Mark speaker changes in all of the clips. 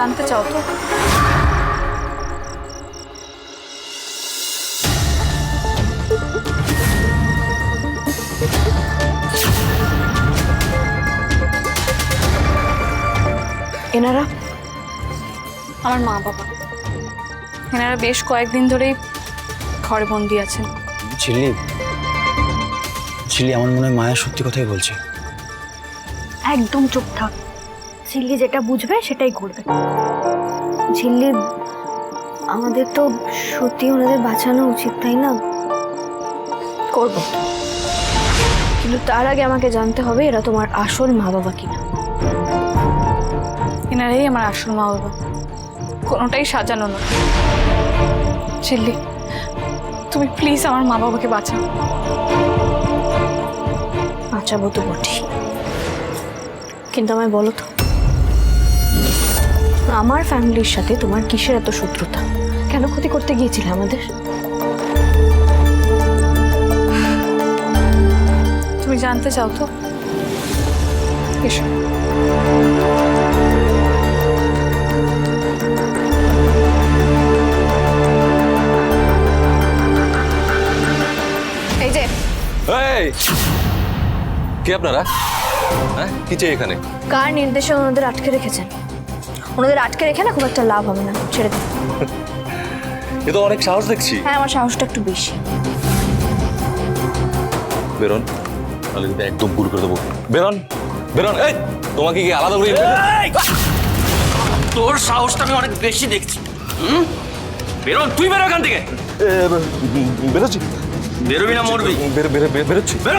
Speaker 1: জানতে চাও তো?
Speaker 2: এনারা
Speaker 1: আমার মা বাবা, এনারা বেশ কয়েকদিন ধরেই ঘরে বন্দি আছেন।
Speaker 3: ঝিল্লি, ঝিল্লি আমার মনে হয় মায়া সত্যি কথাই বলছে।
Speaker 2: একদম চুপ থাক। ঝিল্লি যেটা বুঝবে সেটাই করবে। ঝিল্লি, আমাদের তো সত্যি ওনাদের বাঁচানো উচিত, তাই না? করবো, কিন্তু তার আগে আমাকে জানতে হবে এরা তোমার আসল মা বাবা কিনা।
Speaker 1: এনারাই আমার আসল মা বাবা, কোনোটাই সাজানো না। ঝিল্লি, তুমি প্লিজ আমার মা বাবাকে বাঁচাও।
Speaker 2: বাঁচাবো তো বটেই, কিন্তু আমায় বলো তো, আমার ফ্যামিলির সাথে তোমার কিসের এত শত্রুতা? কেন ক্ষতি করতে গিয়েছিলে আমাদের?
Speaker 1: তুমি জানতে চাও তো? এসো। এই যে,
Speaker 4: এই কে আপনারা? হ্যাঁ, কি চাই এখানে?
Speaker 2: কার নির্দেশে ওনাদের আটকে রেখেছেন? ওনাদের আটকে রেখে না খুব একটা লাভ হবে না, ছেড়ে দিন।
Speaker 4: এ তো অনেক সাহস দেখছি।
Speaker 2: হ্যাঁ, আমার সাহসটা একটু বেশি।
Speaker 4: বেরোন, তাহলে কিন্তু একদম গুল করে দেবো। বেরোন, বেরোন। এই তোমাকে কি আলাদা করে
Speaker 5: তোর সাহসটা আমি অনেক বেশি দেখছি। বেরোন, তুই বেরো এখান থেকে।
Speaker 4: বেরোচ্ছি।
Speaker 5: বেরোবি না মরবি?
Speaker 4: বেরোচ্ছি।
Speaker 5: বেরো।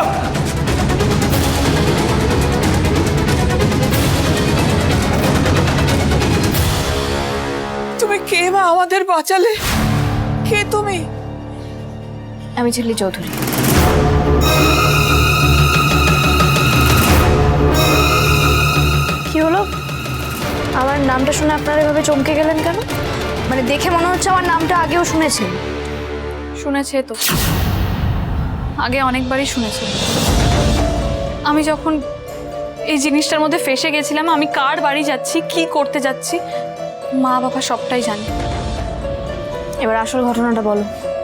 Speaker 6: তুমি কে মা? আমাদের বাঁচালে কে তুমি?
Speaker 2: আমি ঝিল্লি চৌধুরী। কি হলো? আমার নামটা শুনে আপনারা এভাবে চমকে গেলেন কেন? মানে দেখে মনে হচ্ছে আমার নামটা আগেও শুনেছেন।
Speaker 1: শুনেছে তো, আগে অনেকবারই শুনেছে। আমি যখন এই জিনিসটার মধ্যে ফেসে গেছিলাম, আমি কার বাড়ি যাচ্ছি, কি করতে যাচ্ছি, মা বাবা সবটাই জানে।
Speaker 2: এবার আসল ঘটনাটা বলো।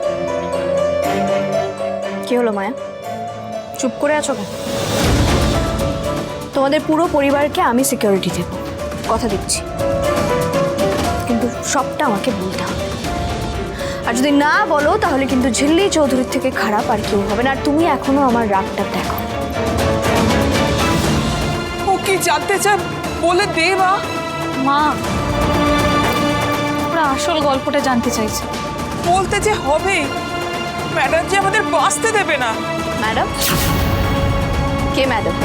Speaker 2: কি হলো মায়া? চুপ করে আছো কেন? তোমাদের পুরো পরিবারকে আমি সিকিউরিটি দেব, কথা দিচ্ছি, কিন্তু সবটা আমাকে বলতে হবে। আর যদি না বলো তাহলে কিন্তু ঝিল্লি চৌধুরীর থেকে খারাপ আর কেউ হবে না। আর তুমি এখনো আমার রাগটা দেখো।
Speaker 6: ও কি জানতে চায় বলে দে মা।
Speaker 1: মা, ওরা আসল গল্পটা জানতে চাইছে।
Speaker 6: বলতে যে হবে, ম্যাডাম যে আমাদের বাঁচতে দেবে না।
Speaker 2: ম্যাডাম? কে ম্যাডাম?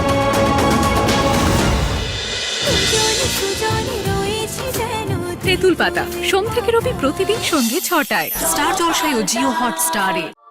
Speaker 7: তেঁতুল পাতা সোম থেকে রবি প্রতিদিন সন্ধ্যে ৬টায় স্টার জলসায় ও জিও হটস্টারে।